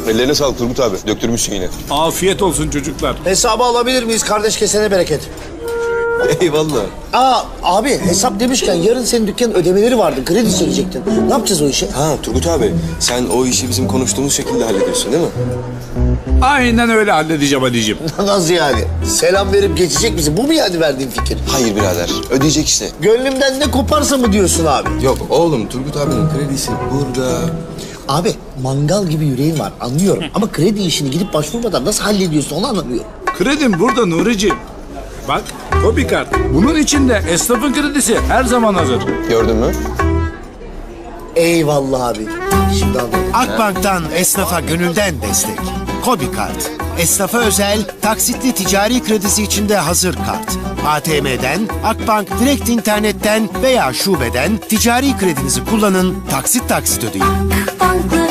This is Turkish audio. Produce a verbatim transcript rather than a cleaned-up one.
Ellerine sağlık Turgut abi. Döktürmüşsün yine. Afiyet olsun çocuklar. Hesabı alabilir miyiz? Kardeş kesene bereket. Eyvallah. Aa abi hesap demişken yarın senin dükkanın ödemeleri vardı. Kredi çekecektin. Ne yapacağız o işi? Ha Turgut abi, sen o işi bizim konuştuğumuz şekilde hallediyorsun değil mi? Aynen öyle halledeceğim Ali'ciğim. Nasıl yani? Selam verip geçecek misin? Bu mu yani verdiğin fikir? Hayır birader, ödeyecek işte. Gönlümden ne koparsa mı diyorsun abi? Yok oğlum, Turgut abinin kredisi burada. Abi mangal gibi yüreğin var anlıyorum. Ama kredi işini gidip başvurmadan nasıl hallediyorsun onu anlamıyorum. Kredim burada Nuri'ciğim. Bak, Kobi kart. Bunun içinde esnafın kredisi her zaman hazır. Gördün mü? Eyvallah abi. Şimdi anladım. Akbank'tan esnafa gönülden destek. Kobi Kart. Esnafa özel, taksitli ticari kredisi içinde hazır kart. A T M'den, Akbank direkt internetten veya şubeden ticari kredinizi kullanın, taksit taksit ödeyin. Akbank'la